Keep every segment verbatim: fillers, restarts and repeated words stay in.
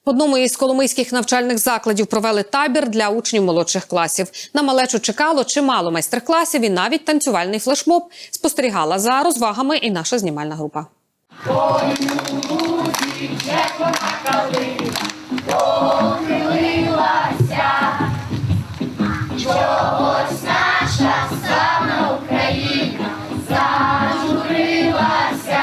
В одному із коломийських навчальних закладів провели табір для учнів молодших класів. На малечу чекало чимало майстер-класів і навіть танцювальний флешмоб. Спостерігала за розвагами і наша знімальна група. Чогось наша славна Україна зажурилася,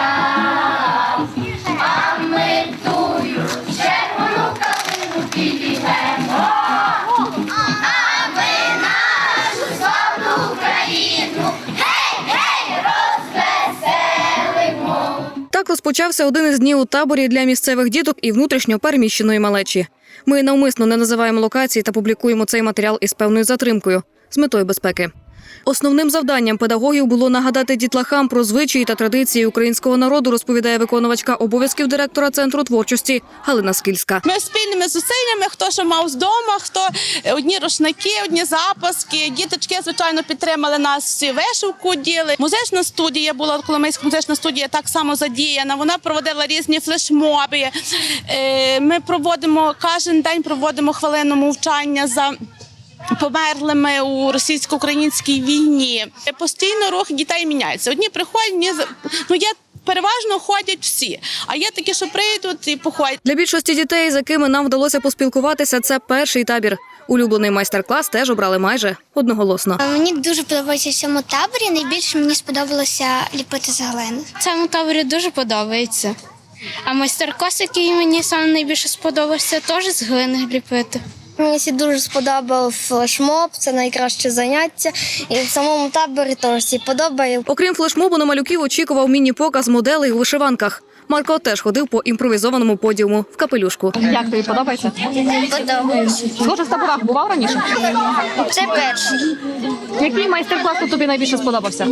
а ми тую червону калину підіймемо, а ми нашу славну Україну гей-гей розвеселимо. Так розпочався один із днів у таборі для місцевих діток і внутрішньо переміщеної малечі. Ми навмисно не називаємо локації та публікуємо цей матеріал із певною затримкою, з метою безпеки. Основним завданням педагогів було нагадати дітлахам про звичаї та традиції українського народу, розповідає виконувачка обов'язків директора Центру творчості Галина Скільська. Ми спільними зусиллями, хто що мав з дому, хто одні рушники, одні запаски. Діточки, звичайно, підтримали нас, всі вишивку діли. Музична студія була, Коломийська музична студія так само задіяна. Вона проводила різні флешмоби. Ми проводимо, кожен день проводимо хвилину мовчання за померлими у російсько-українській війні. Постійно рух дітей міняється. Одні приходять, одні, ну, є, переважно ходять всі, а є такі, що прийдуть і походять. Для більшості дітей, з якими нам вдалося поспілкуватися, це перший табір. Улюблений майстер-клас теж обрали майже одноголосно. Мені дуже подобається в цьому таборі. Найбільше мені сподобалося ліпити з глини. В цьому таборі дуже подобається. А майстер-клас, який мені саме найбільше сподобався, теж з глини ліпити. Мені всі дуже сподобав флешмоб, це найкраще заняття. І в самому таборі теж всі подобає. Окрім флешмобу, на малюків очікував міні-показ моделей у вишиванках. Марко теж ходив по імпровізованому подіуму в капелюшку. Як тобі подобається? Подобається. Схоже, в таборах бував раніше? Це перший. Який майстер-клас тут тобі найбільше сподобався?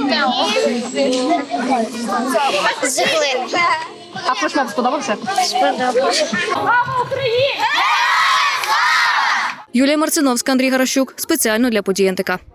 З глини. А флешмоб сподобався? Сподобався. Юлія Марциновська, Андрій Гаращук. Спеціально для подій ен те ка.